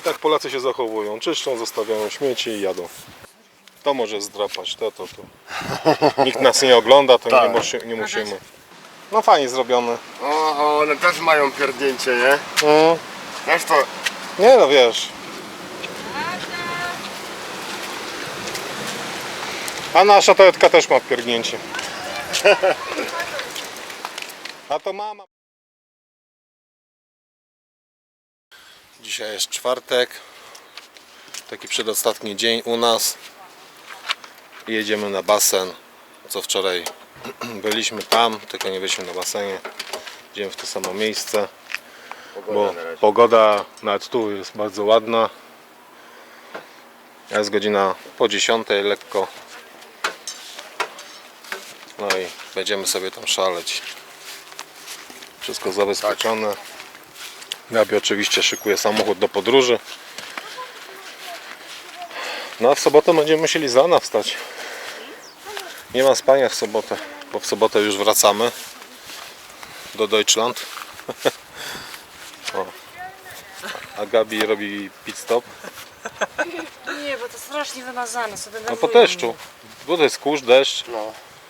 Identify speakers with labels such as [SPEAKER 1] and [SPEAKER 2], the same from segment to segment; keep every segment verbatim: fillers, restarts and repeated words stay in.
[SPEAKER 1] tak Polacy się zachowują. Czyszczą, zostawiają śmieci i jadą. To może zdrapać, to, to, to. Nikt nas nie ogląda, to
[SPEAKER 2] Tak.
[SPEAKER 1] nie, musi, nie musimy. No fajnie zrobione.
[SPEAKER 2] O, one też mają pierdnięcie, nie?
[SPEAKER 1] Mm.
[SPEAKER 2] Wiesz to...
[SPEAKER 1] Nie no wiesz. A nasza toaletka też ma pierdnięcie. A to mama. Dzisiaj jest czwartek. Taki przedostatni dzień u nas. Jedziemy na basen. Co wczoraj byliśmy tam, tylko nie byliśmy na basenie. Idziemy w to samo miejsce. Bo pogoda nawet tu jest bardzo ładna. Jest godzina po dziesiątej lekko. No i będziemy sobie tam szaleć. Wszystko zabezpieczone. Gabi oczywiście szykuje samochód do podróży. No a w sobotę będziemy musieli z rana wstać. Nie ma spania w sobotę, bo w sobotę już wracamy do Deutschland. O. A Gabi robi pit stop.
[SPEAKER 3] Nie, bo to strasznie wymazane sobie.
[SPEAKER 1] No po deszczu. Bo to jest kurz, deszcz.
[SPEAKER 2] No.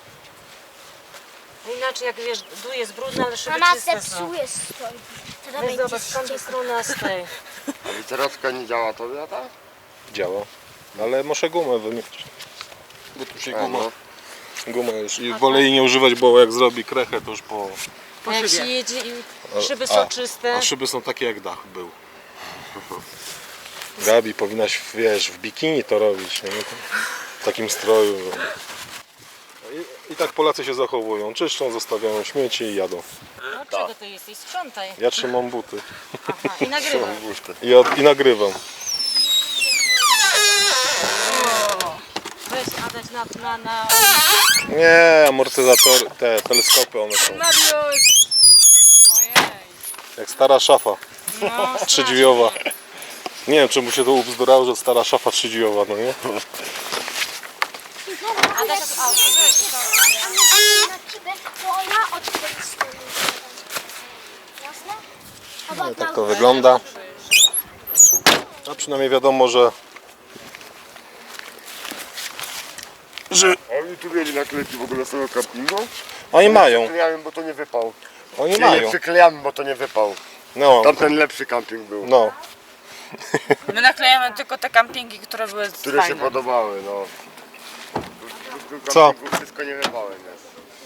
[SPEAKER 3] Inaczej jak wiesz, dół jest brudny, ale szyby
[SPEAKER 4] Mama
[SPEAKER 3] czyste są.
[SPEAKER 4] zepsuje stoi. Teraz
[SPEAKER 3] Weź
[SPEAKER 4] będzie
[SPEAKER 3] zobacz, z tamtej
[SPEAKER 4] ściekł.
[SPEAKER 3] strony, a z tej.
[SPEAKER 2] A literacka nie działa tobie, tak?
[SPEAKER 1] Działa. Ale muszę gumę wymienić. Bo tu się
[SPEAKER 2] A,
[SPEAKER 1] guma.
[SPEAKER 2] no.
[SPEAKER 1] Guma już. I wolę jej nie używać, bo jak zrobi krechę, to już po...
[SPEAKER 3] A jak się jedzie i szyby
[SPEAKER 1] A,
[SPEAKER 3] są czyste.
[SPEAKER 1] A szyby są takie jak dach był. Gabi, powinnaś, wiesz, w bikini to robić, nie? W takim stroju. I, I tak Polacy się zachowują. Czyszczą, zostawiają śmieci i jadą.
[SPEAKER 3] No czego ty jesteś? Sprzątaj.
[SPEAKER 1] Ja trzymam buty.
[SPEAKER 3] Aha, i nagrywam.
[SPEAKER 1] I, od, i nagrywam.
[SPEAKER 3] Weź Adaś na... na, na...
[SPEAKER 1] Nie, amortyzatory, te teleskopy one są.
[SPEAKER 3] Mariusz! Ojej.
[SPEAKER 1] Jak stara szafa.
[SPEAKER 3] No,
[SPEAKER 1] Trzydźwiowa. Nie wiem, czy mu się to ubzdurało, że stara szafa trzydźwiowa, no nie?
[SPEAKER 3] Adaś, a, weź to.
[SPEAKER 4] A my na ciebie, bo ona od tej strony. Jasne?
[SPEAKER 1] No i tak to wygląda. A przynajmniej wiadomo, że... że
[SPEAKER 2] A oni tu mieli naklejki w ogóle z tego kampingu?
[SPEAKER 1] oni mają,
[SPEAKER 2] Przyklejamy, bo to nie wypał.
[SPEAKER 1] oni
[SPEAKER 2] Nie, nie
[SPEAKER 1] mają.
[SPEAKER 2] przyklejamy, bo to nie wypał.
[SPEAKER 1] No,
[SPEAKER 2] Tamten lepszy kamping był.
[SPEAKER 1] no.
[SPEAKER 5] My naklejamy tylko te kampingi, które były
[SPEAKER 2] Które
[SPEAKER 5] fajne.
[SPEAKER 2] się podobały, no. Tu- tu
[SPEAKER 1] Co?
[SPEAKER 2] kampingu wszystko nie wypałem, nie?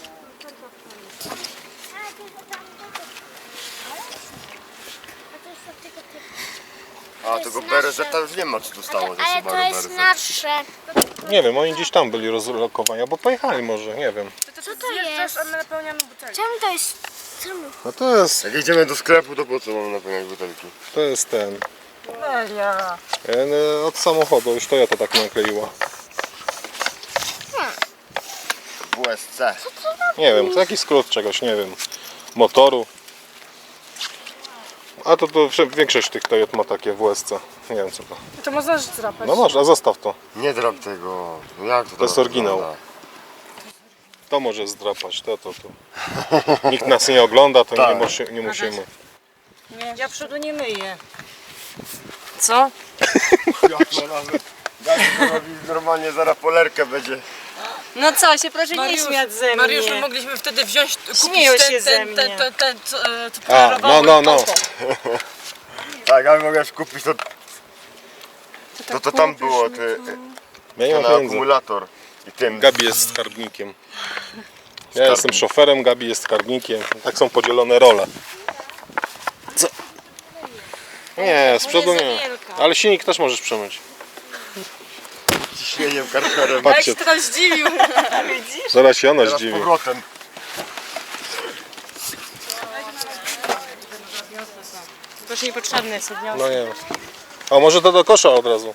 [SPEAKER 2] A tego B R Z już nie ma, co tu stało ze
[SPEAKER 4] Ale
[SPEAKER 2] Subaru
[SPEAKER 4] to jest
[SPEAKER 2] B R Z.
[SPEAKER 4] nasze.
[SPEAKER 1] Nie wiem, oni gdzieś tam byli rozlokowani, albo pojechali może, nie wiem.
[SPEAKER 5] Co
[SPEAKER 4] to
[SPEAKER 5] zjeżdżasz,
[SPEAKER 4] jest?
[SPEAKER 5] a my napełniamy butelki.
[SPEAKER 4] Czemu to jest? Czemu?
[SPEAKER 1] No to jest,
[SPEAKER 2] Jak idziemy do sklepu, to po co mamy napełniać butelki?
[SPEAKER 1] to jest ten.
[SPEAKER 5] Melia.
[SPEAKER 1] e, Od samochodu, już Toyota tak nakleiła.
[SPEAKER 2] W U S C.
[SPEAKER 1] Nie wiem, to jakiś skrót czegoś, nie wiem. Motoru. A to, to wsze- większość tych Toyot ma takie W S C. Nie wiem co to.
[SPEAKER 5] To można zdrapać.
[SPEAKER 1] No można, zostaw to.
[SPEAKER 2] Nie drap tego. No jak to
[SPEAKER 1] To jest
[SPEAKER 2] teraz
[SPEAKER 1] oryginał.
[SPEAKER 2] wygląda?
[SPEAKER 1] To może zdrapać, to, to, to. Nikt nas nie ogląda, to nie,
[SPEAKER 2] Tak.
[SPEAKER 1] musi, nie musimy.
[SPEAKER 3] Nie, ja przodu nie myję. Co?
[SPEAKER 2] Jak to nawet. Jak to robi normalnie, zaraz polerkę będzie.
[SPEAKER 3] No co się, proszę nie śmiać ze mnie.
[SPEAKER 5] Mariusz, my mogliśmy wtedy wziąć, kupić
[SPEAKER 3] Śmieją
[SPEAKER 5] ten,
[SPEAKER 3] się ze
[SPEAKER 5] ten,
[SPEAKER 3] mnie.
[SPEAKER 5] ten, ten, ten, co, e, co
[SPEAKER 1] A,
[SPEAKER 5] polerowało
[SPEAKER 1] no, no, no.
[SPEAKER 5] auto.
[SPEAKER 2] Tak, ale mogłeś kupić to. To to tam było, ty,
[SPEAKER 1] Ja nie
[SPEAKER 2] ten
[SPEAKER 1] mam pieniędzy.
[SPEAKER 2] akumulator. I tym.
[SPEAKER 1] Gabi jest skarbnikiem. Ja jestem szoferem, Gabi jest skarbnikiem. Tak są podzielone role. Co? Nie, z przodu nie. Ale silnik też możesz przemyć.
[SPEAKER 2] Ciśnieniem karterem.
[SPEAKER 5] Jak
[SPEAKER 1] Patrzcie,
[SPEAKER 5] się teraz zdziwił.
[SPEAKER 1] zaraz się ona
[SPEAKER 2] Teraz
[SPEAKER 1] zdziwi.
[SPEAKER 2] powrotem.
[SPEAKER 3] To już niepotrzebne jest odniosę.
[SPEAKER 1] No nie. A może to do kosza od razu.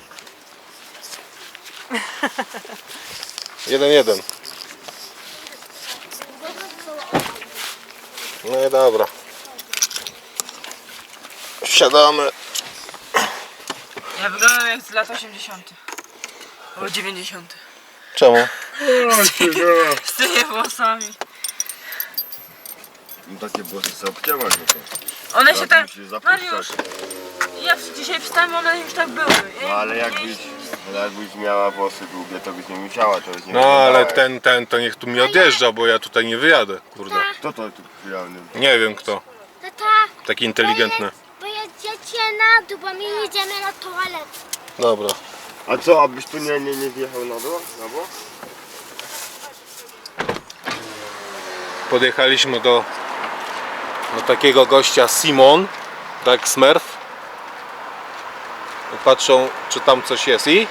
[SPEAKER 1] Jeden, jeden. No i dobra. Wsiadamy.
[SPEAKER 5] Ja wyglądam jak z lat osiemdziesiątych. Albo dziewięćdziesiątych.
[SPEAKER 1] Czemu?
[SPEAKER 5] Z tymi włosami.
[SPEAKER 2] No takie włosy sobie obcięłaś, no to.
[SPEAKER 5] One się
[SPEAKER 2] Teraz
[SPEAKER 5] tak...
[SPEAKER 2] musisz zapuszczać.
[SPEAKER 5] Mariusz, ja dzisiaj wstałem, one już tak były. Ja
[SPEAKER 2] No ale
[SPEAKER 5] ja
[SPEAKER 2] jakbyś,
[SPEAKER 5] ich-
[SPEAKER 2] ale jakbyś miała włosy długie, to byś nie musiała, to byś nie
[SPEAKER 1] No ale
[SPEAKER 2] wyglądała.
[SPEAKER 1] ten, ten to niech tu mi odjeżdża, bo ja tutaj nie wyjadę, kurde.
[SPEAKER 2] Kto to tu przyjawny?
[SPEAKER 1] Nie wiem kto,
[SPEAKER 4] Tata,
[SPEAKER 1] taki inteligentny.
[SPEAKER 4] bo jedziecie na dół, bo my jedziemy na toaletę.
[SPEAKER 1] Dobra.
[SPEAKER 2] A co, abyś tu nie, nie, nie wjechał na dół? Na bok?
[SPEAKER 1] Podjechaliśmy do, do takiego gościa Simon, tak Smurf. I patrzą, czy tam coś jest. I?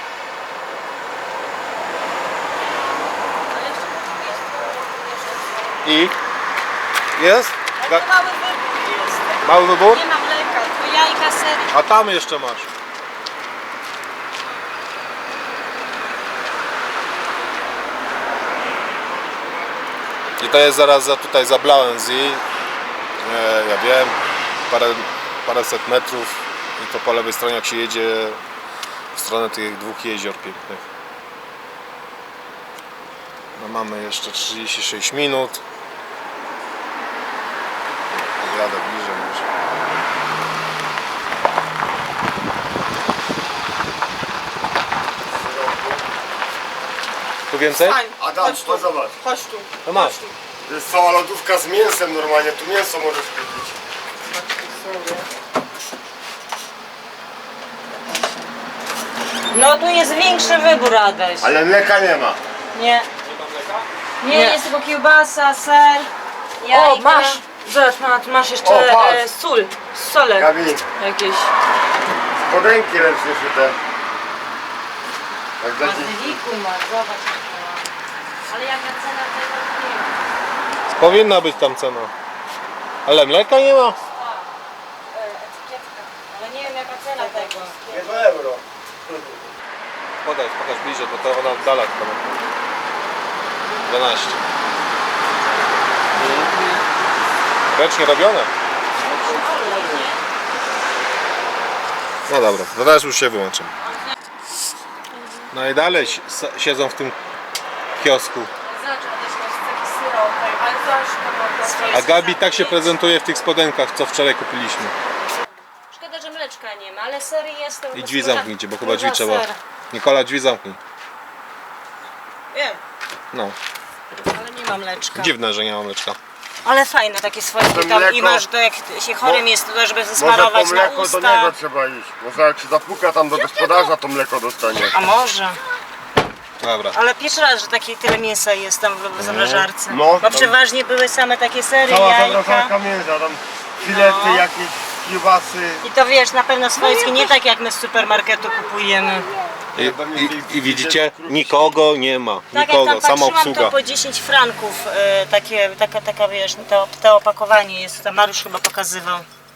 [SPEAKER 1] I? Jest? Ga-
[SPEAKER 3] Mały wybór jest.
[SPEAKER 1] Mały wybór?
[SPEAKER 3] Nie ma mleka, tylko jajka, ser.
[SPEAKER 1] A tam jeszcze masz. I to jest zaraz za tutaj za Blauensee. E, ja wiem, parę, paręset metrów i to po lewej stronie jak się jedzie w stronę tych dwóch jezior pięknych. No mamy jeszcze trzydzieści sześć minut. Jadę bliżej może. Tu więcej?
[SPEAKER 5] Stań,
[SPEAKER 2] Adam,
[SPEAKER 5] chodź tu,
[SPEAKER 2] to zobacz.
[SPEAKER 5] chodź tu.
[SPEAKER 1] To masz.
[SPEAKER 5] Chodź tu.
[SPEAKER 2] To jest cała lodówka z mięsem normalnie, tu mięso możesz kupić.
[SPEAKER 3] No tu jest większy wybór, Adaś.
[SPEAKER 2] Ale mleka nie ma.
[SPEAKER 3] Nie. Nie, jest tylko kiełbasa, ser, jajka.
[SPEAKER 5] O, masz! Zobacz, ma- tu masz jeszcze
[SPEAKER 2] O, patrz.
[SPEAKER 5] e, sól, sole
[SPEAKER 2] Gabi,
[SPEAKER 5] jakieś.
[SPEAKER 2] spodenki ręcznie szyte. Jak dla dzieci.
[SPEAKER 3] Bazyliku masz, zobacz. jaka ładna. Ale jaka cena tego nie ma.
[SPEAKER 1] Powinna być tam cena. Ale mleka nie ma.
[SPEAKER 3] E, Etykietka. Ale nie wiem jaka cena tego.
[SPEAKER 2] Nie do euro.
[SPEAKER 1] Podaj, pokaż bliżej, bo to ona oddala tylko. dwanaście. Ręcznie robione. No dobra, to teraz już się wyłączę. No i dalej si- s- siedzą w tym kiosku.
[SPEAKER 5] Zobacz, Adaś, masz taki syropek, ale zobacz,
[SPEAKER 1] A Gabi tak się prezentuje w tych spodenkach, co wczoraj kupiliśmy.
[SPEAKER 3] Szkoda, że mleczka nie ma, ale ser jest.
[SPEAKER 1] I drzwi zamknijcie, bo chyba
[SPEAKER 3] Duża
[SPEAKER 1] drzwi trzeba.
[SPEAKER 3] ser.
[SPEAKER 1] Nikola, drzwi zamknij.
[SPEAKER 3] Wiem,
[SPEAKER 1] No,
[SPEAKER 3] ale nie ma mleczka.
[SPEAKER 1] dziwne, że nie ma mleczka.
[SPEAKER 3] Ale fajne takie swoje
[SPEAKER 2] To
[SPEAKER 3] tam i
[SPEAKER 2] mleko-
[SPEAKER 3] masz to jak się chorym
[SPEAKER 2] Mo-
[SPEAKER 3] jest, to żeby
[SPEAKER 2] Może
[SPEAKER 3] zasmarować
[SPEAKER 2] po
[SPEAKER 3] na
[SPEAKER 2] mleko do
[SPEAKER 3] usta.
[SPEAKER 2] niego trzeba iść. Może jak się zapuka tam do gospodarza, to mleko dostanie.
[SPEAKER 3] A może.
[SPEAKER 1] Dobra.
[SPEAKER 3] Ale pierwszy raz, że takie tyle mięsa jest tam w, w zamrażarce.
[SPEAKER 2] No,
[SPEAKER 3] Bo
[SPEAKER 2] tam-
[SPEAKER 3] przeważnie były same takie sery,
[SPEAKER 2] Cała
[SPEAKER 3] jajka.
[SPEAKER 2] zamrażarka mięsa, tam filety,
[SPEAKER 3] No.
[SPEAKER 2] jakieś kiełbasy.
[SPEAKER 3] I to wiesz, na pewno swojskie, nie tak jak my z supermarketu kupujemy.
[SPEAKER 1] I, i, i widzicie? Nikogo nie ma.
[SPEAKER 3] Tak jak
[SPEAKER 1] Nikogo,
[SPEAKER 3] tam
[SPEAKER 1] sama
[SPEAKER 3] patrzyłam,
[SPEAKER 1] obsługa.
[SPEAKER 3] to po dziesięć franków e, takie, taka, taka wiesz, to, to opakowanie jest, tam Mariusz chyba pokazywał.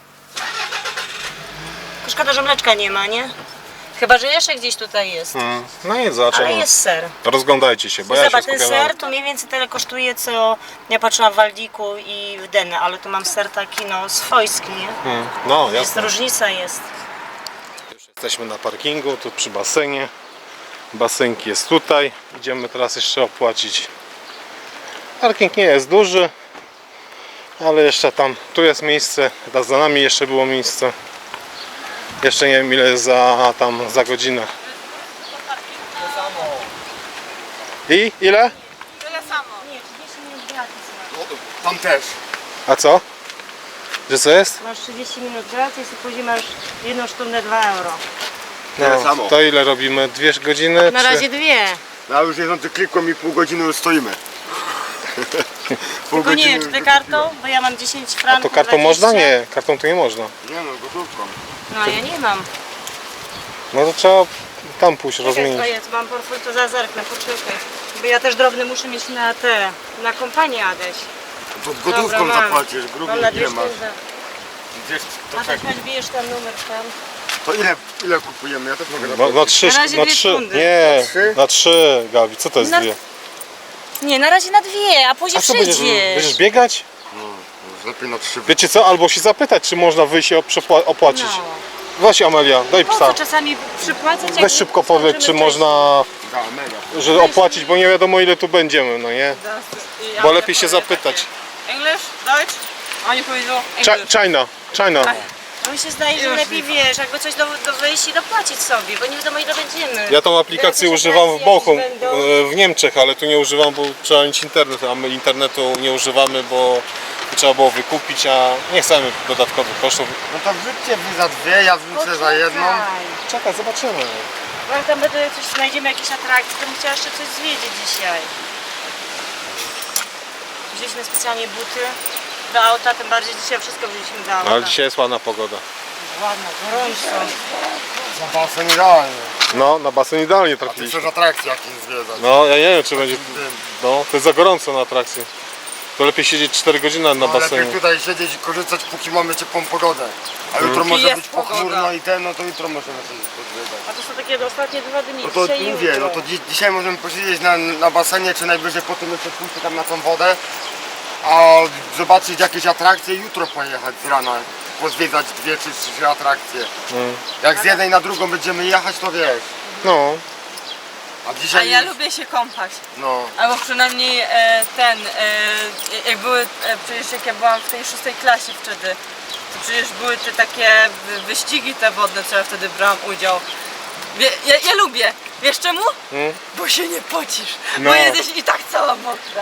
[SPEAKER 3] Tylko szkoda, że mleczka nie ma, nie? Chyba, że jeszcze gdzieś tutaj jest.
[SPEAKER 1] Mm, No i zobaczymy.
[SPEAKER 3] Ale jest ser.
[SPEAKER 1] Rozglądajcie się, bo ja się
[SPEAKER 3] Zobacz, ten
[SPEAKER 1] skupiam na...
[SPEAKER 3] ser to mniej więcej tyle kosztuje, co ja patrzyłam w Waldiku i w Denę, ale tu mam ser taki no swojski, nie?
[SPEAKER 1] Mm, No,
[SPEAKER 3] Jest
[SPEAKER 1] jasne.
[SPEAKER 3] różnica jest.
[SPEAKER 1] Już jesteśmy na parkingu, tu przy basenie. Basenki jest tutaj. Idziemy teraz jeszcze opłacić. Parking nie jest duży, ale jeszcze tam, tu jest miejsce, teraz za nami jeszcze było miejsce. Jeszcze nie wiem ile jest za tam za godzinę. I ile?
[SPEAKER 5] Tyle samo.
[SPEAKER 3] Nie, trzydzieści minut gratis masz.
[SPEAKER 2] Tam też.
[SPEAKER 1] A co? Że co jest?
[SPEAKER 3] Masz trzydzieści minut gratis i później masz jedną sztukę dwa euro.
[SPEAKER 2] Tyle samo.
[SPEAKER 1] To ile robimy? Dwie godziny?
[SPEAKER 3] Na
[SPEAKER 1] czy-
[SPEAKER 3] razie dwie.
[SPEAKER 2] No a już jedzący klikłem i pół godziny już stoimy. Pół
[SPEAKER 3] Tylko nie wiem, czy
[SPEAKER 2] godziny
[SPEAKER 3] ty
[SPEAKER 2] już
[SPEAKER 3] kartą? Bo ja mam dziesięć franków.
[SPEAKER 1] To kartą
[SPEAKER 3] dwadzieścia.
[SPEAKER 1] można? Nie, kartą to nie można.
[SPEAKER 2] Nie no, gotówką.
[SPEAKER 3] No ja nie mam.
[SPEAKER 1] No to trzeba tam pójść
[SPEAKER 3] Czekaj,
[SPEAKER 1] rozmienić.
[SPEAKER 3] to jest, mam portfel, to za zerknę, poczekaj. Bo ja też drobny muszę mieć na te, na kompanię Adaś.
[SPEAKER 2] To gotówką
[SPEAKER 3] Dobra, mam.
[SPEAKER 2] zapłacisz, gruby
[SPEAKER 3] Mam na dwie
[SPEAKER 2] ile masz?
[SPEAKER 3] sztuki.
[SPEAKER 2] Gdzieś to,
[SPEAKER 3] Adaś,
[SPEAKER 2] czekaj.
[SPEAKER 3] masz bijesz ten numer tam.
[SPEAKER 2] To ile, ile kupujemy? Ja też mogę
[SPEAKER 1] No,
[SPEAKER 2] zapłacić.
[SPEAKER 1] na trzy,
[SPEAKER 3] Na razie
[SPEAKER 1] na
[SPEAKER 3] dwie
[SPEAKER 1] trzy.
[SPEAKER 3] fundy.
[SPEAKER 1] Nie,
[SPEAKER 2] Na trzy?
[SPEAKER 1] na trzy, Gabi, co to jest
[SPEAKER 3] Na-
[SPEAKER 1] dwie?
[SPEAKER 3] Nie, na razie na dwie, a później
[SPEAKER 1] A co będziesz,
[SPEAKER 3] przyjdziesz.
[SPEAKER 1] będziesz biegać?
[SPEAKER 2] No, lepiej na trzy.
[SPEAKER 1] Wiecie co, albo się zapytać, czy można wyjść i przepła- opłacić.
[SPEAKER 3] No.
[SPEAKER 1] Weź Amelia, daj
[SPEAKER 3] Po co
[SPEAKER 1] psa.
[SPEAKER 3] czasami przypłacać? jak
[SPEAKER 1] Weź szybko powiedz, czy
[SPEAKER 3] skończymy
[SPEAKER 1] można,
[SPEAKER 2] Da, mega.
[SPEAKER 1] że opłacić, bo nie wiadomo ile tu będziemy, no nie? Bo lepiej się zapytać.
[SPEAKER 5] English? Deutsch? Oni powiedzą
[SPEAKER 1] Ch-
[SPEAKER 5] English.
[SPEAKER 1] China, China.
[SPEAKER 3] No mi się zdaje, że lepiej wiesz, jakby coś do, do wyjść i dopłacić sobie, bo nie wiadomo ile będziemy.
[SPEAKER 1] Ja tą aplikację
[SPEAKER 3] Jakieś
[SPEAKER 1] używam w
[SPEAKER 3] atrakcje
[SPEAKER 1] Bochum,
[SPEAKER 3] jakieś będą.
[SPEAKER 1] e, w Niemczech, ale tu nie używam, bo trzeba mieć internet, a my internetu nie używamy, bo trzeba było wykupić, a nie chcemy dodatkowych kosztów.
[SPEAKER 2] No to wrzućcie wy za dwie, ja wrzucę za jedną.
[SPEAKER 3] Poczekaj.
[SPEAKER 1] Czekaj, zobaczymy.
[SPEAKER 3] No jak tam będę coś znajdziemy, jakieś atrakcje, to bym chciała jeszcze coś zwiedzić dzisiaj. Wzięliśmy specjalnie buty do auta, tym bardziej dzisiaj wszystko wzięliśmy do auta.
[SPEAKER 1] No, ale dzisiaj jest ładna pogoda.
[SPEAKER 3] Ładna, gorąco.
[SPEAKER 2] Za basen idealnie.
[SPEAKER 1] No, na basen idealnie
[SPEAKER 2] A ty
[SPEAKER 1] trafiliśmy.
[SPEAKER 2] chcesz atrakcje jakieś zwiedzać.
[SPEAKER 1] No, ja nie wiem, czy będzie... No, to jest za gorąco na atrakcji. To lepiej siedzieć cztery godziny na
[SPEAKER 2] No,
[SPEAKER 1] basenie.
[SPEAKER 2] lepiej tutaj siedzieć i korzystać, póki mamy ciepłą pogodę. A jutro
[SPEAKER 1] Mm.
[SPEAKER 2] może
[SPEAKER 5] Jest
[SPEAKER 2] być
[SPEAKER 5] pogoda.
[SPEAKER 2] pochmurno i ten, no to jutro możemy sobie podwiedzać.
[SPEAKER 3] A to są takie ostatnie dwa dni,
[SPEAKER 2] No to
[SPEAKER 3] dzisiaj i
[SPEAKER 2] mówię,
[SPEAKER 3] jutro.
[SPEAKER 2] no to dzi dzisiaj możemy posiedzieć na, na basenie, czy najwyżej potem jeszcze pójść tam na tą wodę, a zobaczyć jakieś atrakcje i jutro pojechać z rana, pozwiedzać dwie czy trzy atrakcje.
[SPEAKER 1] Mm.
[SPEAKER 2] Jak z jednej na drugą będziemy jechać, to wiesz.
[SPEAKER 1] No,
[SPEAKER 2] A
[SPEAKER 5] A
[SPEAKER 2] dzisiaj...
[SPEAKER 5] ja lubię się kąpać.
[SPEAKER 2] No,
[SPEAKER 5] Albo przynajmniej e, ten, e, jak były, e, przecież jak ja byłam w tej szóstej klasie wtedy, to przecież były te takie wy- wyścigi te wodne, co ja wtedy brałam udział. Wie, ja, ja lubię. Wiesz czemu?
[SPEAKER 1] Mm.
[SPEAKER 5] Bo się nie pocisz,
[SPEAKER 1] No.
[SPEAKER 5] bo jesteś i tak cała mokra.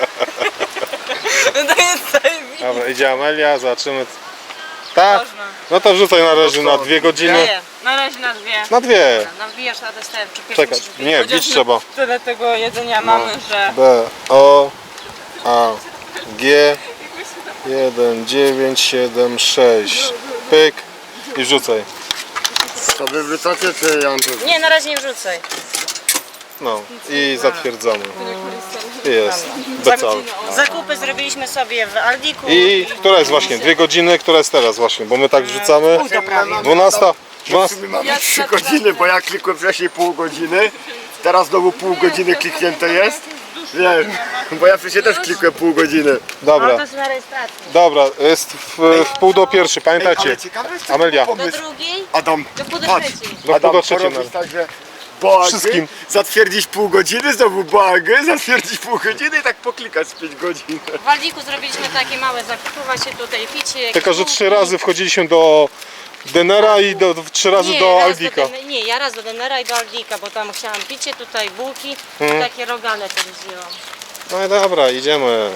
[SPEAKER 5] No to jest zajebiście.
[SPEAKER 1] dobra, idzie Amelia, zobaczymy. Tak?
[SPEAKER 5] Można.
[SPEAKER 1] No to wrzucaj na razie na dwie godziny.
[SPEAKER 3] Nie, na razie na dwie.
[SPEAKER 1] Na dwie.
[SPEAKER 3] Nawijasz na testę, czy pierwszy
[SPEAKER 1] Czekaj,
[SPEAKER 3] musisz wbić?
[SPEAKER 1] nie,
[SPEAKER 5] Chociaż
[SPEAKER 1] bić
[SPEAKER 5] my
[SPEAKER 1] trzeba.
[SPEAKER 5] Tyle tego jedzenia mamy, że...
[SPEAKER 1] B, O, A, G, jeden, dziewięć, siedem, sześć. Pyk i wrzucaj.
[SPEAKER 2] to wy wrzucacie, czy ja mam tu...
[SPEAKER 3] Nie, na razie nie wrzucaj.
[SPEAKER 1] No i zatwierdzamy. Jest. Becal.
[SPEAKER 3] Zakupy zrobiliśmy sobie w Aldiku.
[SPEAKER 1] I która jest właśnie? Dwie godziny, która jest teraz właśnie? Bo my tak wrzucamy. Dwunasta.
[SPEAKER 2] W
[SPEAKER 1] Dwunasta.
[SPEAKER 2] sumie mamy
[SPEAKER 5] Ja
[SPEAKER 2] trzy
[SPEAKER 5] tak
[SPEAKER 2] godziny, bo ja klikłem wcześniej pół godziny, teraz znowu pół godziny kliknięte jest. Wiesz, bo ja wcześniej też klikłem pół godziny.
[SPEAKER 3] No to
[SPEAKER 1] Dobra,
[SPEAKER 3] jest na rejestracji.
[SPEAKER 1] dobra, jest w, w pół do pierwszej, pamiętacie?
[SPEAKER 2] Ale ciekawe jest
[SPEAKER 1] Amelia.
[SPEAKER 3] Do
[SPEAKER 2] pomysł.
[SPEAKER 3] drugiej?
[SPEAKER 2] Adam,
[SPEAKER 3] Do pół do
[SPEAKER 2] patrz,
[SPEAKER 3] trzeciej.
[SPEAKER 1] Do pół
[SPEAKER 2] Adam,
[SPEAKER 1] do trzeciej.
[SPEAKER 2] porobić tak, że boagę,
[SPEAKER 1] Wszystkim.
[SPEAKER 2] zatwierdzić pół godziny, znowu boagę, zatwierdzić pół godziny i tak poklikać z pięć godzin.
[SPEAKER 3] W Aldiku zrobiliśmy takie małe zakupy, właśnie tutaj picie. jakieś
[SPEAKER 1] Tylko, że
[SPEAKER 3] bułki.
[SPEAKER 1] trzy razy wchodziliśmy do Denera i do, trzy razy
[SPEAKER 3] Nie,
[SPEAKER 1] do
[SPEAKER 3] raz
[SPEAKER 1] Aldika.
[SPEAKER 3] Do, Den- nie, ja raz do Denera i do Aldika, bo tam chciałam picie, tutaj bułki
[SPEAKER 1] Mhm.
[SPEAKER 3] i takie rogale też wzięłam.
[SPEAKER 1] No i dobra, idziemy.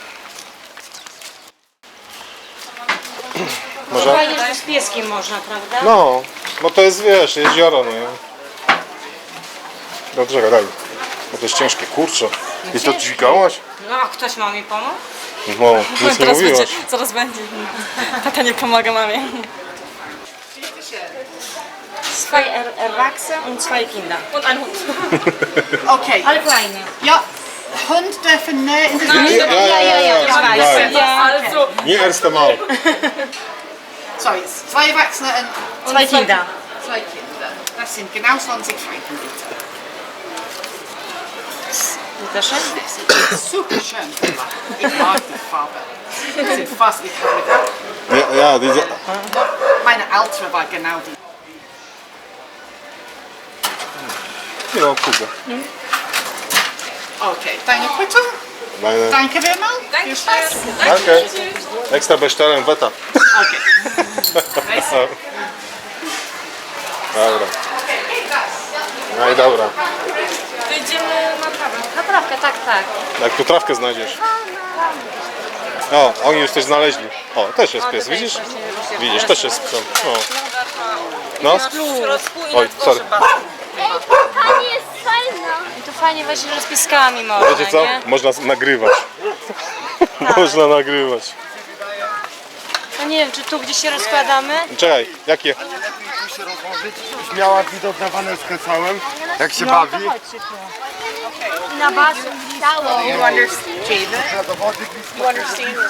[SPEAKER 1] Może?
[SPEAKER 3] Fajnie, że z pieskiem można, prawda?
[SPEAKER 1] No, bo to jest, wiesz, jezioro, nie? Dobrze, daj. Bo to jest ciężkie, kurczę. I to dźwigałaś?
[SPEAKER 3] No, a ktoś ma mi pomóc?
[SPEAKER 1] No, nic nie mówiłaś.
[SPEAKER 5] zaraz będzie. Tata nie pomaga mamie.
[SPEAKER 3] Zwei er Erwachsene und zwei Kinder.
[SPEAKER 5] Und ein Hund.
[SPEAKER 6] Okay.
[SPEAKER 3] Ale fajnie.
[SPEAKER 6] Ja, Hund dürfen näher in das
[SPEAKER 1] Ja, ja, ja, ja, ja,
[SPEAKER 3] ja,
[SPEAKER 1] ja.
[SPEAKER 3] ja.
[SPEAKER 5] Also,
[SPEAKER 1] Nie erste Mal.
[SPEAKER 6] Sorry, zwei Erwachsene und
[SPEAKER 3] Zwei Kinder.
[SPEAKER 6] zwei Kinder. Das sind genau zwanzig Franken bitte.
[SPEAKER 3] Bitteschön.
[SPEAKER 6] Das ist super schön gemacht. Ich mag die Farbe. Sie sind fast, ich habe mit
[SPEAKER 1] Ja, ja, diese...
[SPEAKER 6] meine Ältere war genau die.
[SPEAKER 1] Ja, Kuba.
[SPEAKER 6] Okay, deine Quittung.
[SPEAKER 1] Meine...
[SPEAKER 6] Danke vielmals. Viel Spaß.
[SPEAKER 1] Danke. Extra bestellen, Wetter.
[SPEAKER 6] Okay.
[SPEAKER 1] Dobra. No i dobra.
[SPEAKER 5] to idziemy na kawę.
[SPEAKER 3] Naprawkę, tak, tak.
[SPEAKER 1] Jak tu trawkę znajdziesz. O, oni już coś znaleźli. O, też jest
[SPEAKER 3] O,
[SPEAKER 1] pies,
[SPEAKER 3] tutaj
[SPEAKER 1] widzisz?
[SPEAKER 3] właśnie już
[SPEAKER 1] Widzisz,
[SPEAKER 3] jest.
[SPEAKER 1] też jest psem. O. No.
[SPEAKER 5] W środku i
[SPEAKER 1] Oj,
[SPEAKER 5] na dworze
[SPEAKER 1] sorry.
[SPEAKER 5] basen.
[SPEAKER 4] Ej, ta pani jest fajna.
[SPEAKER 3] I to fajnie właśnie, że z pieskami można,
[SPEAKER 1] Wiecie co?
[SPEAKER 3] nie?
[SPEAKER 1] Można z- nagrywać. Można nagrywać.
[SPEAKER 3] No nie wiem, czy tu gdzieś się rozkładamy?
[SPEAKER 1] Czekaj, jakie?
[SPEAKER 2] Tu się rozłożyć, już miała widok na Wanelskę całym, jak się
[SPEAKER 3] No,
[SPEAKER 2] bawi.
[SPEAKER 3] to chodźcie tu. I na basen.
[SPEAKER 6] You understand it?
[SPEAKER 2] Do wody blisko.
[SPEAKER 6] You understand it?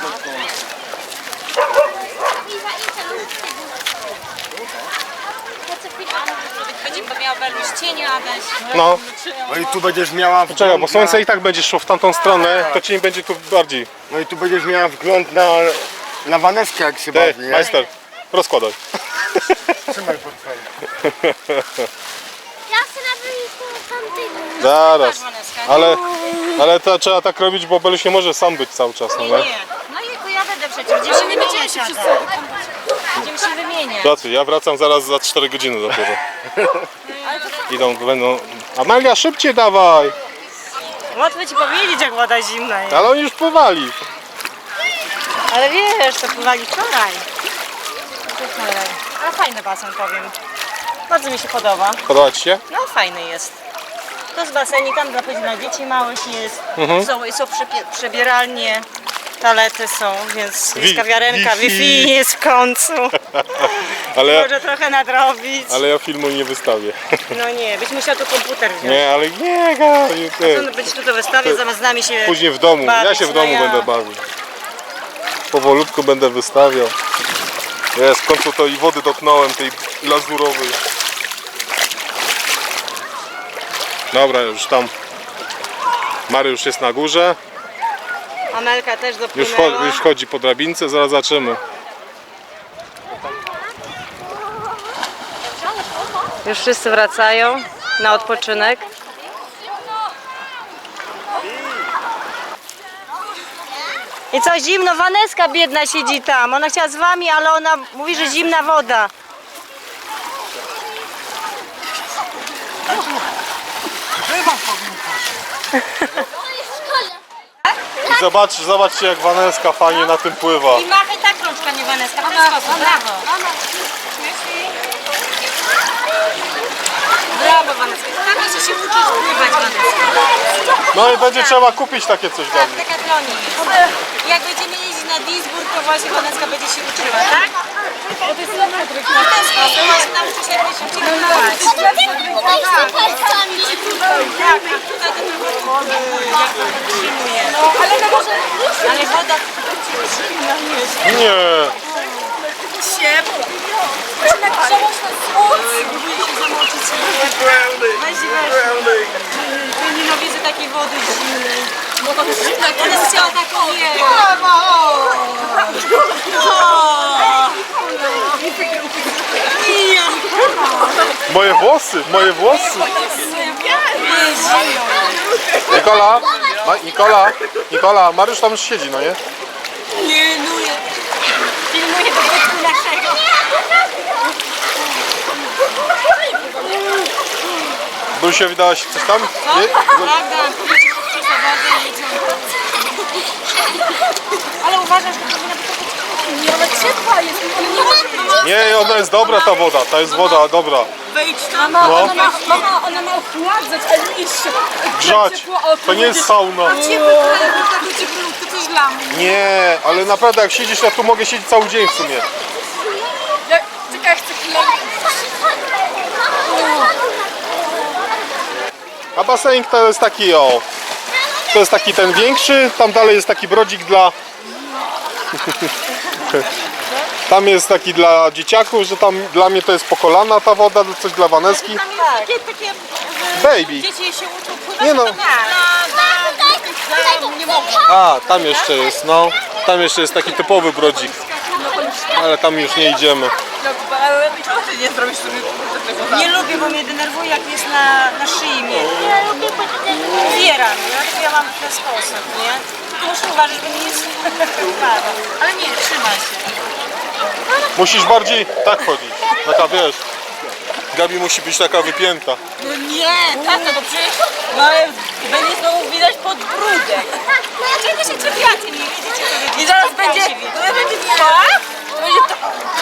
[SPEAKER 3] Będzie miał pewność cienia, Adaś.
[SPEAKER 1] No.
[SPEAKER 2] No i tu będziesz miała
[SPEAKER 1] Czekaj, bo
[SPEAKER 2] wgląd
[SPEAKER 1] słońce
[SPEAKER 2] na,
[SPEAKER 1] i tak będzie szło w tamtą stronę, to cień będzie tu bardziej.
[SPEAKER 2] no i tu będziesz miała wgląd na, na Waneskę, jak się
[SPEAKER 1] Ty,
[SPEAKER 2] bawi, nie?
[SPEAKER 1] majster, rozkładaj.
[SPEAKER 2] Trzymaj portfel.
[SPEAKER 4] Ja chcę na wyjściu tamtego.
[SPEAKER 1] Zaraz.
[SPEAKER 3] Waneska.
[SPEAKER 1] Ale, ale to trzeba tak robić, bo Beluś nie może sam być cały czas, no
[SPEAKER 3] Nie,
[SPEAKER 1] nie?
[SPEAKER 3] nie. No i ja będę przecież. Dziewczyny będziecie wszyscy. Będziemy się wymieniać.
[SPEAKER 1] Co ty, ja wracam zaraz za cztery godziny dopiero. Idą, będą... Amelia, szybciej dawaj!
[SPEAKER 3] Łatwo ci powiedzieć, jak woda zimna jest.
[SPEAKER 1] Ale oni już pływali.
[SPEAKER 3] Ale wiesz, to pływali wczoraj. Wczoraj. Ale fajny basen, powiem. Bardzo mi się podoba.
[SPEAKER 1] Podoba ci się?
[SPEAKER 3] No fajny jest. To jest basenik, tam dla, dla dzieci małych jest.
[SPEAKER 1] Mhm.
[SPEAKER 3] Są, są przepie- przebieralnie, toalety są, więc
[SPEAKER 1] Wi-
[SPEAKER 3] jest kawiarenka,
[SPEAKER 1] Wi-Fi.
[SPEAKER 3] Wi-Fi jest w końcu.
[SPEAKER 1] Ale,
[SPEAKER 3] Może trochę nadrobić.
[SPEAKER 1] ale ja filmu nie wystawię.
[SPEAKER 3] No nie, byś musiał tu komputer wziąć.
[SPEAKER 1] Nie, ale nie, nie,
[SPEAKER 3] To
[SPEAKER 1] nie.
[SPEAKER 3] być tu to wystawię, zamiast z nami się
[SPEAKER 1] Później w domu, ja
[SPEAKER 3] bawić,
[SPEAKER 1] się w
[SPEAKER 3] no
[SPEAKER 1] domu
[SPEAKER 3] ja.
[SPEAKER 1] będę bawił. Powolutku będę wystawiał. Jest, w końcu to i wody dotknąłem, tej lazurowej. Dobra, już tam. Mariusz jest na górze.
[SPEAKER 3] Amelka też
[SPEAKER 1] Już,
[SPEAKER 3] dopłynęła.
[SPEAKER 1] cho- już chodzi po drabince, zaraz zobaczymy.
[SPEAKER 3] Już wszyscy wracają na odpoczynek. I co, zimno? Waneska biedna siedzi tam. Ona chciała z wami, ale ona mówi, że zimna woda.
[SPEAKER 1] I zobacz, zobaczcie jak Waneska fajnie na tym pływa.
[SPEAKER 3] I machaj tak rączka, nie Waneska. W ten sposób, brawo. Brawo, Waneska. Tak musi się uczyć pływać, Waneska.
[SPEAKER 1] No i będzie trzeba kupić takie coś dla
[SPEAKER 3] Tak,
[SPEAKER 1] mnie.
[SPEAKER 3] w Decathlonie jest. Jak będziemy jeździć na Duisburg, to właśnie Waneska będzie się uczyła, tak? Bo to jest lepsza tryk. No ten sposób, właśnie nauczy się jak się uczyć pływać. Tak, a tutaj to tylko jak to podtrzymuje. No, ale no może... Ale woda zimna jest.
[SPEAKER 1] Nie.
[SPEAKER 3] Ciepło. Próbuję się zamoczyć. Weź, weź. Ja nienawidzę takiej wody zimnej. Bo to jest zimna, to jest ciała taką nie.
[SPEAKER 1] Moje włosy, moje włosy. Nikola, Ma, Nikola, Nikola, Mariusz tam już siedzi, no nie?
[SPEAKER 3] Pilnuję. Pilnuję do bytu naszego.
[SPEAKER 1] Brusie, wydałaś coś tam? Nie?
[SPEAKER 3] Prawda, kupić przez wodę i jedziemy. Ale uważasz, że to powinna być taka ale ciepła jest.
[SPEAKER 1] Nie, ona jest dobra ta woda, ta jest woda dobra.
[SPEAKER 5] Wejdź tam. Mama,
[SPEAKER 1] No.
[SPEAKER 5] ona, ma, mama, ona ma ochładzać, a nie się
[SPEAKER 1] Grzać, to nie jest sauna.
[SPEAKER 5] ciepły, takie cieplutko, coś dla mnie.
[SPEAKER 1] Nie, ale naprawdę jak siedzisz, ja tu mogę siedzieć cały dzień w sumie.
[SPEAKER 5] Ja, czekaj, chcę chwilę.
[SPEAKER 1] A basenik to jest taki o. To jest taki ten większy, tam dalej jest taki brodzik dla... Tam jest taki dla dzieciaków, że tam dla mnie to jest po kolana ta woda, coś dla Waneski.
[SPEAKER 3] Tam jest takie, takie
[SPEAKER 1] Baby.
[SPEAKER 3] dzieci się uczą pływać,
[SPEAKER 1] Nie no.
[SPEAKER 3] to tak. Nie mogą.
[SPEAKER 1] A, tam jeszcze jest, no. Tam jeszcze jest taki typowy brodzik. Ale tam już nie idziemy.
[SPEAKER 5] No, ale czemu ty nie zrobisz sobie tego?
[SPEAKER 3] Nie lubię, bo mnie denerwuje, jak jest na, na szyi mnie. Uwiera mnie, dlatego ja mam w ten sposób, nie? Tylko muszę uważać, żeby mnie nie upada. Ale nie, trzyma się.
[SPEAKER 1] Musisz bardziej tak chodzić. Taka wiesz. Gabi musi być taka wypięta.
[SPEAKER 5] No nie, tata, to przecież no, będzie znowu widać podbródek.
[SPEAKER 3] Dlaczego się czepiacie? Nie widzicie, co wy
[SPEAKER 5] I zaraz
[SPEAKER 3] czepiacie
[SPEAKER 5] będzie,
[SPEAKER 3] mnie.
[SPEAKER 5] zaraz będzie tak, to będzie tak.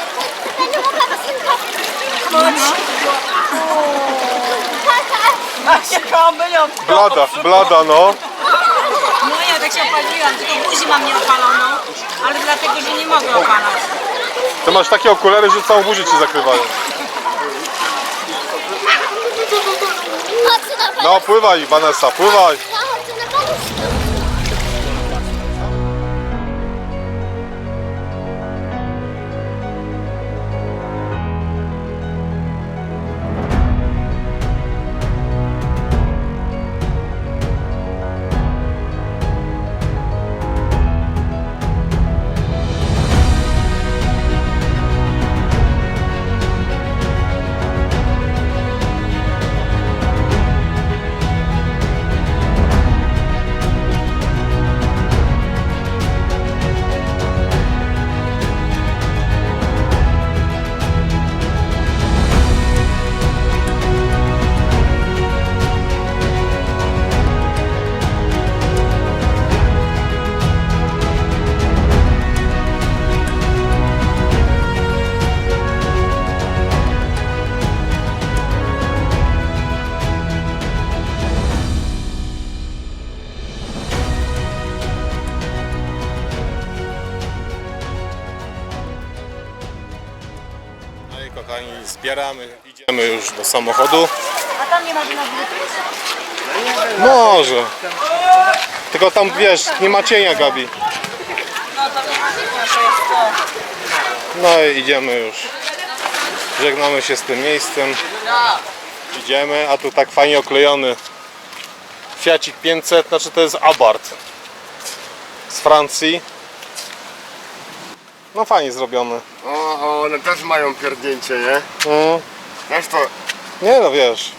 [SPEAKER 5] Macie kamelion.
[SPEAKER 1] Blada, blada no.
[SPEAKER 3] No ja tak się opaliłam, tylko buzi mam nieopaloną, ale dlatego, że nie mogę opalać.
[SPEAKER 1] Ty masz takie okulary, że całą buzię ci zakrywają. No pływaj Vanessa, pływaj. Zbieramy, idziemy już do samochodu.
[SPEAKER 3] A tam nie ma na
[SPEAKER 1] Może. Tylko tam wiesz, nie ma cienia, Gabi.
[SPEAKER 5] No to nie ma nic, że jest to.
[SPEAKER 1] No i idziemy już. Żegnamy się z tym miejscem. Idziemy, a tu tak fajnie oklejony Fiacik pięćset, znaczy to jest Abarth z Francji. No fajnie zrobiony.
[SPEAKER 2] O, o, one też mają pierdnięcie, nie?
[SPEAKER 1] Mm.
[SPEAKER 2] Wiesz to,
[SPEAKER 1] Nie no wiesz.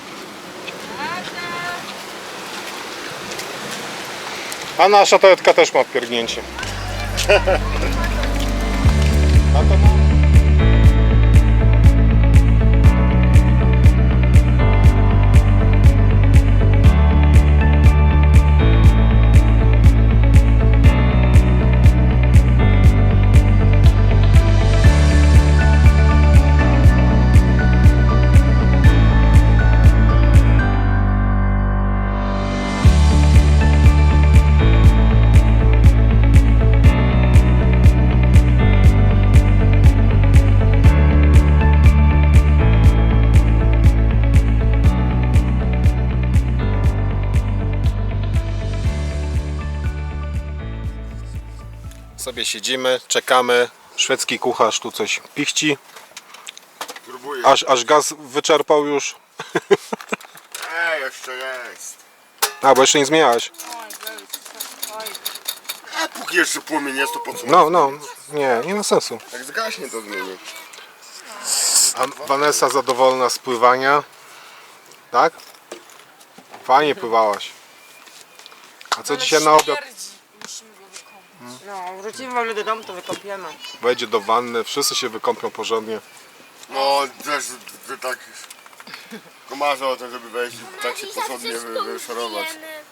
[SPEAKER 1] A nasza Toyotka też ma pierdnięcie. A to ma... Sobie siedzimy, czekamy. Szwedzki kucharz tu coś pichci.
[SPEAKER 2] próbuję.
[SPEAKER 1] Aż, aż gaz wyczerpał już.
[SPEAKER 2] Ej, jeszcze jest.
[SPEAKER 1] A, bo jeszcze nie zmieniałeś.
[SPEAKER 2] A póki jeszcze płomień jest, to po co?
[SPEAKER 1] No, no, nie, nie ma sensu.
[SPEAKER 2] Jak zgaśnie, to zmieni.
[SPEAKER 1] A Vanessa zadowolona z pływania. Tak? Fajnie pływałaś. A co dzisiaj na obiad?
[SPEAKER 5] No, wrócimy wolno do domu, to wykąpiemy.
[SPEAKER 1] Wejdzie do wanny, wszyscy się wykąpią porządnie.
[SPEAKER 2] No, też, że tak komarzę o to, żeby wejść i tak się porządnie wy- wyszorować.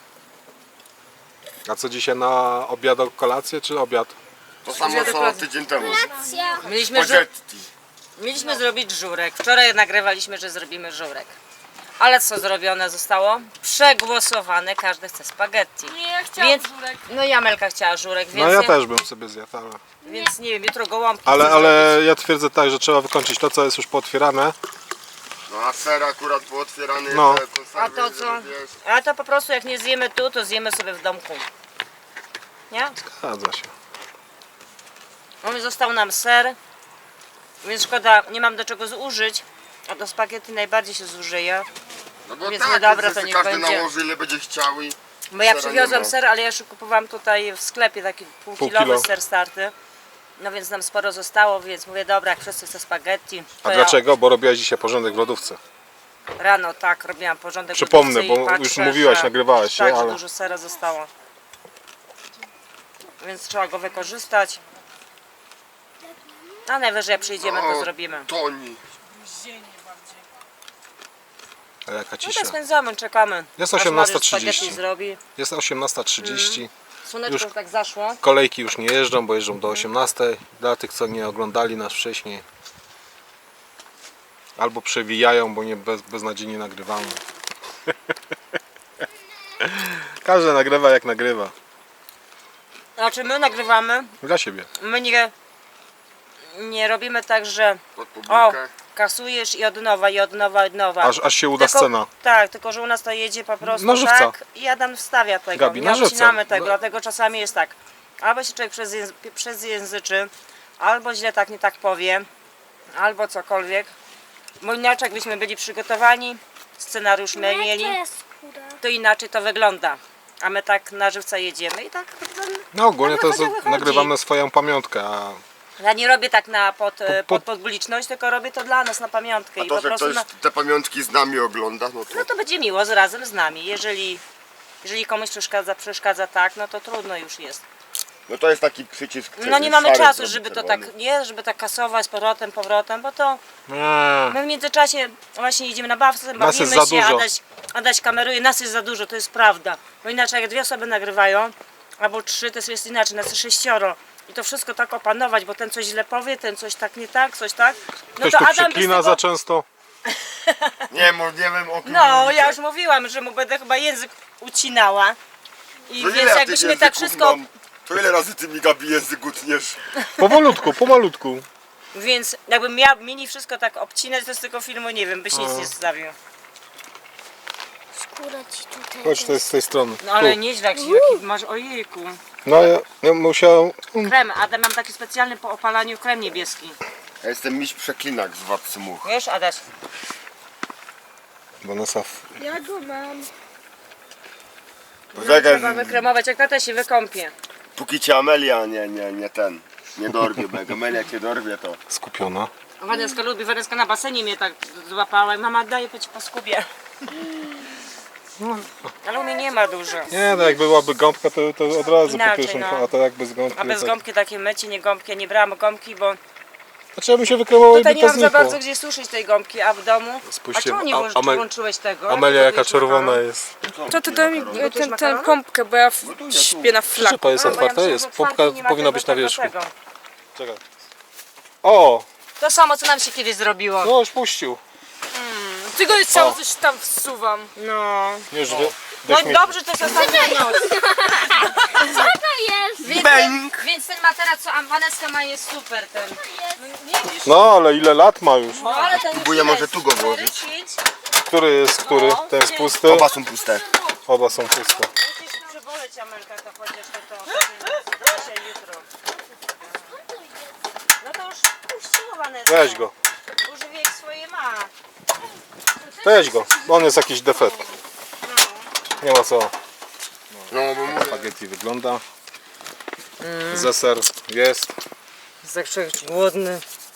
[SPEAKER 1] A co dzisiaj na obiad, kolację czy obiad?
[SPEAKER 2] To samo co tydzień temu.
[SPEAKER 4] Racja.
[SPEAKER 5] Mieliśmy, żu-
[SPEAKER 2] Spaghetti.
[SPEAKER 5] mieliśmy zrobić żurek. Wczoraj nagrywaliśmy, że zrobimy żurek. Ale co zrobione zostało? Przegłosowane, każdy chce spaghetti.
[SPEAKER 3] Nie, ja chciałam
[SPEAKER 5] Więc,
[SPEAKER 3] żurek.
[SPEAKER 5] no i Amelka chciała żurek, więc,
[SPEAKER 1] No ja
[SPEAKER 5] nie,
[SPEAKER 1] też bym sobie zjadł, ale...
[SPEAKER 5] więc nie wiem, jutro gołąbki
[SPEAKER 1] Ale,
[SPEAKER 5] chcę
[SPEAKER 1] ale ja twierdzę tak, że trzeba wykończyć to, co jest już pootwierane.
[SPEAKER 2] No a ser akurat pootwierany,
[SPEAKER 1] No.
[SPEAKER 2] te konserwy,
[SPEAKER 5] A to co?
[SPEAKER 2] żeby, wiesz,
[SPEAKER 5] zrobić. Ale to po prostu jak nie zjemy tu, to zjemy sobie w domku. Nie?
[SPEAKER 1] Zgadza się.
[SPEAKER 5] No i został nam ser, więc szkoda, nie mam do czego zużyć, a do spaghetti najbardziej się zużyje.
[SPEAKER 2] No bo
[SPEAKER 5] Więc
[SPEAKER 2] tak,
[SPEAKER 5] nie dobra,
[SPEAKER 2] że
[SPEAKER 5] to
[SPEAKER 2] sobie
[SPEAKER 5] niech
[SPEAKER 2] każdy
[SPEAKER 5] będzie.
[SPEAKER 2] nałoży ile będzie chciał i...
[SPEAKER 5] Bo ja
[SPEAKER 2] Sera
[SPEAKER 5] przywiozłam
[SPEAKER 2] nie ma.
[SPEAKER 5] ser, ale ja już kupowałam tutaj w sklepie taki
[SPEAKER 1] Pół
[SPEAKER 5] półkilowy
[SPEAKER 1] kilo.
[SPEAKER 5] ser starty. No więc nam sporo zostało, więc mówię, dobra, jak wszyscy chcą spaghetti, to
[SPEAKER 1] A
[SPEAKER 5] ja
[SPEAKER 1] dlaczego? Bo robiłaś dzisiaj porządek w lodówce.
[SPEAKER 5] rano tak robiłam porządek w
[SPEAKER 1] Przypomnę,
[SPEAKER 5] lodówce i
[SPEAKER 1] bo
[SPEAKER 5] patrzę,
[SPEAKER 1] już mówiłaś,
[SPEAKER 5] że,
[SPEAKER 1] nagrywałaś się,
[SPEAKER 5] tak, że
[SPEAKER 1] ale-
[SPEAKER 5] dużo sera zostało. Więc trzeba go wykorzystać. A najwyżej jak przyjdziemy, to
[SPEAKER 2] O,
[SPEAKER 5] zrobimy.
[SPEAKER 2] Toni.
[SPEAKER 1] A jaka
[SPEAKER 5] No
[SPEAKER 1] cisza.
[SPEAKER 5] tak spędzamy, czekamy.
[SPEAKER 1] Jest
[SPEAKER 5] aż
[SPEAKER 1] osiemnasta
[SPEAKER 5] Mariusz spaghetti
[SPEAKER 1] trzydzieści.
[SPEAKER 5] zrobi.
[SPEAKER 1] Jest osiemnasta trzydzieści.
[SPEAKER 5] Słoneczko
[SPEAKER 1] Już-
[SPEAKER 5] już tak zaszło.
[SPEAKER 1] Kolejki już nie jeżdżą, bo jeżdżą do osiemnastej. Dla tych, co nie oglądali nas wcześniej. Albo przewijają, bo nie bez, beznadziejnie nagrywamy. Każdy nagrywa jak nagrywa.
[SPEAKER 5] Znaczy my nagrywamy,
[SPEAKER 1] Dla siebie.
[SPEAKER 5] my nie, nie robimy tak, że
[SPEAKER 2] Pod
[SPEAKER 5] o,
[SPEAKER 2] publikę.
[SPEAKER 5] kasujesz i od nowa, i od nowa, i od nowa.
[SPEAKER 1] Aż, aż się uda
[SPEAKER 5] Tylko-
[SPEAKER 1] scena.
[SPEAKER 5] Tak, tylko że u nas to jedzie po prostu
[SPEAKER 1] Nożywca.
[SPEAKER 5] tak i Adam wstawia tego,
[SPEAKER 1] Gabi,
[SPEAKER 5] nie
[SPEAKER 1] nożywca.
[SPEAKER 5] obcinamy tego,
[SPEAKER 1] No.
[SPEAKER 5] dlatego czasami jest tak, albo się człowiek przezjęzy, przezjęzyczy, albo źle tak nie tak powie, albo cokolwiek, bo inaczej jakbyśmy byli przygotowani, scenariusz my
[SPEAKER 4] To
[SPEAKER 5] mieli,
[SPEAKER 4] jest skóra.
[SPEAKER 5] to inaczej to wygląda, a my tak na żywca jedziemy i tak,
[SPEAKER 1] No ogólnie to jest,
[SPEAKER 5] wychodzi, wychodzi.
[SPEAKER 1] nagrywamy swoją pamiątkę, a
[SPEAKER 5] ja nie robię tak na pod, e,
[SPEAKER 1] pod-
[SPEAKER 5] pod publiczność, tylko robię to dla nas na pamiątkę
[SPEAKER 2] A
[SPEAKER 5] i
[SPEAKER 2] to,
[SPEAKER 5] po
[SPEAKER 2] że
[SPEAKER 5] prostu
[SPEAKER 2] ktoś
[SPEAKER 5] na,
[SPEAKER 2] te pamiątki z nami ogląda, no to...
[SPEAKER 5] no to będzie miło z razem z nami. Jeżeli, jeżeli komuś przeszkadza, przeszkadza tak, no to trudno już jest.
[SPEAKER 2] No to jest taki przycisk...
[SPEAKER 5] No nie
[SPEAKER 2] szary
[SPEAKER 5] mamy czasu,
[SPEAKER 2] zrobić,
[SPEAKER 5] żeby to
[SPEAKER 2] czerwony.
[SPEAKER 5] tak, nie, żeby tak kasować z powrotem, powrotem, bo to
[SPEAKER 1] eee,
[SPEAKER 5] my w międzyczasie właśnie idziemy na bawce,
[SPEAKER 1] Nas jest
[SPEAKER 5] bawimy
[SPEAKER 1] za
[SPEAKER 5] się,
[SPEAKER 1] dużo.
[SPEAKER 5] Adaś, Adaś kameruje, nas jest za dużo, to jest prawda. Bo inaczej jak dwie osoby nagrywają, albo trzy, to jest inaczej, nas jest sześcioro. I to wszystko tak opanować, bo ten coś źle powie, ten coś tak nie tak, coś tak. No
[SPEAKER 1] ktoś
[SPEAKER 5] to
[SPEAKER 1] tu
[SPEAKER 5] Adam bez
[SPEAKER 1] przeklina
[SPEAKER 5] tego...
[SPEAKER 1] za często.
[SPEAKER 2] Nie, mo- nie wiem o kim
[SPEAKER 5] No,
[SPEAKER 2] mówicie.
[SPEAKER 5] ja już mówiłam, że mu będę chyba język ucinała. I
[SPEAKER 2] To ile
[SPEAKER 5] więc
[SPEAKER 2] ja tych
[SPEAKER 5] jakbyśmy tak
[SPEAKER 2] języków
[SPEAKER 5] wszystko...
[SPEAKER 2] mam? To ile razy ty mi, Gabi, język utniesz?
[SPEAKER 1] Powolutku, pomalutku.
[SPEAKER 3] Więc jakbym miał mini wszystko tak obcinać, to z tego filmu nie wiem, byś nic nie zostawił.
[SPEAKER 4] Skóra ci tutaj.
[SPEAKER 1] Chodź, to jest z tej strony.
[SPEAKER 3] No ale
[SPEAKER 1] Tu.
[SPEAKER 3] nieźle, jak się jaki masz, ojejku.
[SPEAKER 1] No ja, ja musiałem...
[SPEAKER 3] Krem, a mam taki specjalny po opalaniu krem niebieski.
[SPEAKER 2] Ja jestem miś przeklinak z Władcy Much.
[SPEAKER 3] Wiesz, Adaś?
[SPEAKER 1] Vanessa,
[SPEAKER 4] Ja go mam.
[SPEAKER 2] Poczekaj,
[SPEAKER 3] Trzeba wykremować, jak tata się wykąpie.
[SPEAKER 2] póki cię Amelia nie, nie, nie ten, nie dorwie, bo jak Amelia cię dorwie, to...
[SPEAKER 1] skupiona.
[SPEAKER 3] Waneska lubi, Waneska na basenie mnie tak złapała i mama daje być po skubie. Ale u mnie nie ma dużo.
[SPEAKER 1] Nie, no jak byłaby gąbka, to, to od razu
[SPEAKER 3] Inaczej,
[SPEAKER 1] po pierwszym,
[SPEAKER 3] no.
[SPEAKER 1] a to jak bez gąbki...
[SPEAKER 3] A bez
[SPEAKER 1] tak...
[SPEAKER 3] gąbki takie mycie, nie gąbki, ja nie brałam gąbki, bo
[SPEAKER 1] Znaczy ja bym się wykremował i
[SPEAKER 3] tutaj
[SPEAKER 1] by
[SPEAKER 3] nie
[SPEAKER 1] to
[SPEAKER 3] mam za
[SPEAKER 1] znikło.
[SPEAKER 3] bardzo gdzie suszyć tej gąbki, a w domu...
[SPEAKER 1] Spójrzcie,
[SPEAKER 3] a czemu nie
[SPEAKER 1] a-
[SPEAKER 3] włącz-
[SPEAKER 1] Amel-
[SPEAKER 3] włączyłeś tego?
[SPEAKER 1] Amelia jaka
[SPEAKER 3] Gotujesz
[SPEAKER 1] czerwona
[SPEAKER 3] makaron?
[SPEAKER 1] jest.
[SPEAKER 5] To ty daj mi
[SPEAKER 3] Gotujesz
[SPEAKER 5] tę
[SPEAKER 3] makaron?
[SPEAKER 5] pompkę, bo ja w, śpię na flaku.
[SPEAKER 1] Szypa jest
[SPEAKER 3] A, bo ja
[SPEAKER 1] otwarta,
[SPEAKER 3] myślałam,
[SPEAKER 1] jest.
[SPEAKER 3] że
[SPEAKER 1] Pompka
[SPEAKER 3] otwarty nie ma
[SPEAKER 1] powinna
[SPEAKER 3] tego,
[SPEAKER 1] być na
[SPEAKER 3] tego,
[SPEAKER 1] wierzchu.
[SPEAKER 3] tego.
[SPEAKER 1] Czekaj. O!
[SPEAKER 3] To samo, co nam się kiedyś zrobiło.
[SPEAKER 1] No już puścił.
[SPEAKER 5] Tylko jest cało coś tam wsuwam.
[SPEAKER 3] No.
[SPEAKER 1] Już wy...
[SPEAKER 3] No
[SPEAKER 1] do śmieci.
[SPEAKER 3] dobrze, to jest ostatnia noc.
[SPEAKER 4] Co to jest?
[SPEAKER 3] Więc ten, więc ten materac, co Waneska ma, jest super ten. No, widzisz?
[SPEAKER 1] No ale ile lat ma już?
[SPEAKER 3] No, ale ten
[SPEAKER 2] Próbuję
[SPEAKER 3] już
[SPEAKER 2] może
[SPEAKER 3] jest.
[SPEAKER 2] tu go
[SPEAKER 3] Cztery,
[SPEAKER 2] włożyć.
[SPEAKER 3] pięć.
[SPEAKER 1] Który jest który?
[SPEAKER 3] No,
[SPEAKER 1] Ten jest pusty?
[SPEAKER 2] Oba są puste.
[SPEAKER 1] Oba są puste.
[SPEAKER 3] Musisz przyboleć Amelka, to chociaż to to. Dzisiaj, jutro. No to już puściło Waneskę.
[SPEAKER 1] Weź go.
[SPEAKER 3] Duży wiek swoje ma.
[SPEAKER 1] Weź go. On jest jakiś defekt. Nie ma co.
[SPEAKER 2] No bo mówię,
[SPEAKER 1] Spaghetti wygląda. Zeser jest.
[SPEAKER 3] Jest tak człowiek głodny.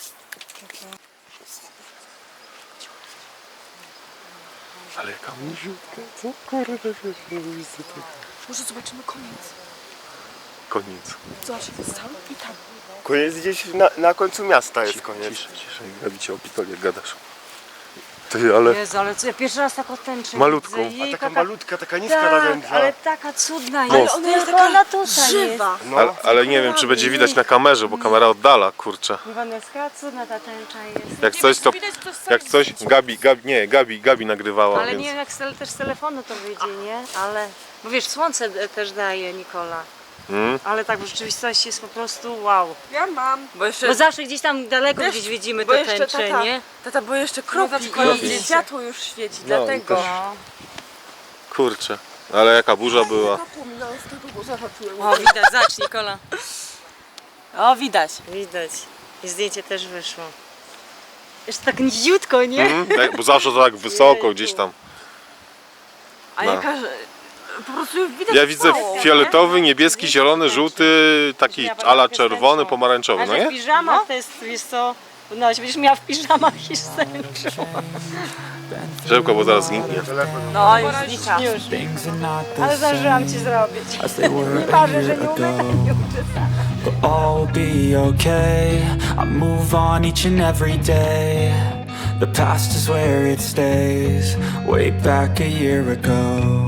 [SPEAKER 1] Ale jaka miziutka. Co kurde jest?
[SPEAKER 5] Może zobaczymy koniec.
[SPEAKER 1] Koniec.
[SPEAKER 5] Zobacz, jest cały i tam.
[SPEAKER 2] koniec gdzieś na, na końcu miasta jest koniec.
[SPEAKER 1] Ciszej, ciszej. Gabi cię opitoli, jak gadasz. Ty, ale
[SPEAKER 3] Jezu, ale co, ja pierwszy raz taką tęczę
[SPEAKER 1] Malutką.
[SPEAKER 3] widzę.
[SPEAKER 2] A
[SPEAKER 3] Jej,
[SPEAKER 2] taka
[SPEAKER 3] jaka-
[SPEAKER 2] malutka, taka niska
[SPEAKER 3] Tak,
[SPEAKER 2] nadęta.
[SPEAKER 3] ale taka cudna
[SPEAKER 1] No.
[SPEAKER 3] jest.
[SPEAKER 5] Ona jest
[SPEAKER 3] Tylko
[SPEAKER 5] taka
[SPEAKER 3] ona tutaj
[SPEAKER 5] żywa.
[SPEAKER 2] No.
[SPEAKER 1] Ale, ale nie wiem, czy będzie widać na kamerze, bo kamera oddala, kurczę.
[SPEAKER 3] jest. Waneska, cudna ta tęcza jest.
[SPEAKER 1] Jak coś, to...
[SPEAKER 5] Widać, to
[SPEAKER 1] Jak coś, Gabi, Gabi, nie, Gabi, Gabi nagrywała,
[SPEAKER 3] Ale
[SPEAKER 1] więc...
[SPEAKER 3] nie wiem jak z, tele- też z telefonu to wyjdzie, nie? Ale, bo wiesz, słońce e, też daje, Nikola.
[SPEAKER 1] Mm?
[SPEAKER 3] Ale tak w rzeczywistości jest po prostu wow.
[SPEAKER 5] Ja mam. Bo jeszcze,
[SPEAKER 3] Bo zawsze gdzieś tam daleko
[SPEAKER 5] Wiesz,
[SPEAKER 3] gdzieś widzimy
[SPEAKER 5] bo
[SPEAKER 3] te
[SPEAKER 5] jeszcze
[SPEAKER 3] tęcze,
[SPEAKER 5] tata,
[SPEAKER 3] nie?
[SPEAKER 5] tata, bo jeszcze kropli
[SPEAKER 1] Kropli.
[SPEAKER 5] i światło już świeci,
[SPEAKER 1] No,
[SPEAKER 5] dlatego.
[SPEAKER 1] i też- Kurczę, ale jaka burza była.
[SPEAKER 3] O, widać, zacz Nikola.
[SPEAKER 5] O, widać.
[SPEAKER 3] Widać. I zdjęcie też wyszło. Jeszcze tak niziutko, nie?
[SPEAKER 1] Mm? Tak, bo zawsze to tak wysoko gdzieś tam.
[SPEAKER 5] A
[SPEAKER 1] No.
[SPEAKER 5] jaka... Po prostu już widać
[SPEAKER 1] Ja widzę
[SPEAKER 5] cało,
[SPEAKER 1] fioletowy, niebieski, zielony, żółty, taki ala czerwony, pomarańczowy,
[SPEAKER 3] A
[SPEAKER 1] no
[SPEAKER 3] że w
[SPEAKER 1] nie?
[SPEAKER 3] piżamach to jest, wiesz co, no będziesz miała w piżamach i z tęczą.
[SPEAKER 1] Szybko, bo zaraz zginie.
[SPEAKER 5] No, już znika.
[SPEAKER 3] Już.
[SPEAKER 7] Things are not the
[SPEAKER 3] Ale zdążyłam ci
[SPEAKER 7] same
[SPEAKER 3] zrobić.
[SPEAKER 7] as they were
[SPEAKER 3] Nie
[SPEAKER 7] a
[SPEAKER 3] marzę, że
[SPEAKER 7] year
[SPEAKER 3] nie umiem,
[SPEAKER 7] ago.
[SPEAKER 3] nie uczę.
[SPEAKER 7] But all be okay. I move on each and every day. The past is where it stays. Way back a year ago.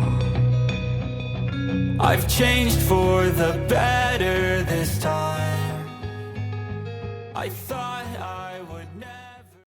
[SPEAKER 7] I've changed for the better this time. I thought I